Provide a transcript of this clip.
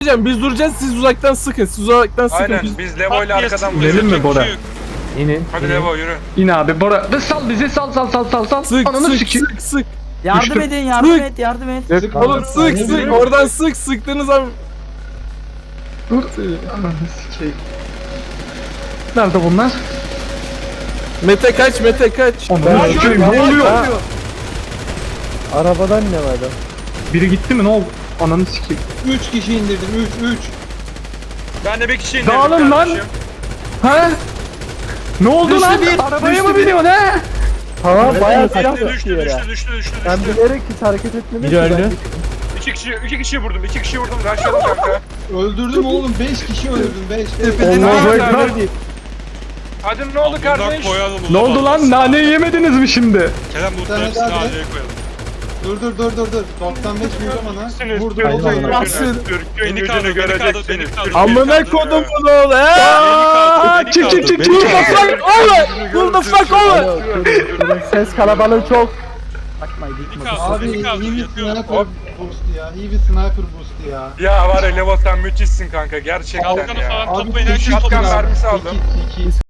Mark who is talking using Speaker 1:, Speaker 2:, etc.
Speaker 1: Biz duracağız, siz uzaktan sıkın. Siz uzaktan sıkın.
Speaker 2: Aynen biz Levo ile arkadan
Speaker 3: İnelim mi Bora?
Speaker 1: İnin.
Speaker 2: Hadi Levo yürü.
Speaker 3: İn abi Bora. Sal bizi sal.
Speaker 1: Sık
Speaker 3: Ananı
Speaker 1: sık
Speaker 3: sikeyim.
Speaker 1: sık sık.
Speaker 4: Yardım
Speaker 3: Düştüm.
Speaker 4: edin, yardım
Speaker 1: Sık.
Speaker 4: et, yardım et.
Speaker 1: Oğlum sık sık. Oradan sık. Sıktığınız an.
Speaker 3: Dur. Ananı sikeyim. Nerede bunlar?
Speaker 1: Mete kaç, Mete kaç.
Speaker 3: Ananı sikeyim. Ne oluyor?
Speaker 5: Arabadan ne var?
Speaker 3: Biri gitti mi? Ne oldu? Ananı sikeyim.
Speaker 6: 3 kişi indirdim 3.
Speaker 2: Ben de bir kişi indirdim
Speaker 3: Dağılın lan.
Speaker 2: kardeşim.
Speaker 3: Ha? Ne oldu lan? Arabaya mı biniyorsun ha?
Speaker 5: Tamam bayağı silah
Speaker 2: Düştü.
Speaker 5: Ben bilerek hiç hareket etmedim.
Speaker 1: Biri öldü.
Speaker 2: İki kişi vurdum. Raşladım kanka.
Speaker 6: Öldürdüm oğlum 5 kişi öldürdüm 5.
Speaker 3: Allahu Ekber.
Speaker 2: Hadi ne oldu kardeş?
Speaker 3: Ne oldu lan? Naneyi yemediniz mi şimdi?
Speaker 7: Kerem bu
Speaker 6: Hadi,
Speaker 7: hepsini
Speaker 6: hadi.
Speaker 7: aileye koyalım.
Speaker 6: Dur. 95 vuracağım ana. Vurdum
Speaker 1: Aynen.
Speaker 6: oldu.
Speaker 1: Basın.
Speaker 7: Beni kaldır, beni kaldır, beni kaldır.
Speaker 1: Amına kodum bunu oğlum.
Speaker 7: Beni
Speaker 3: Çık
Speaker 7: kaldır,
Speaker 3: çık
Speaker 7: beni
Speaker 3: çık.
Speaker 7: kaldır.
Speaker 1: Who the fuck over?
Speaker 5: Ses kalabalığı çok.
Speaker 7: Beni kaldır,
Speaker 6: Abi
Speaker 7: beni
Speaker 6: iyi
Speaker 7: kaldır.
Speaker 6: bir
Speaker 7: Yapıyorum.
Speaker 6: sniper boost ya. İyi bir sniper boost ya.
Speaker 2: Ya var ya Levo sen müthişsin kanka gerçekten
Speaker 7: Kalkanı
Speaker 2: ya.
Speaker 7: falan
Speaker 6: Abi
Speaker 7: toplayın, herkes
Speaker 2: şatkan
Speaker 7: toplasın.
Speaker 2: mermisi aldım.
Speaker 6: 2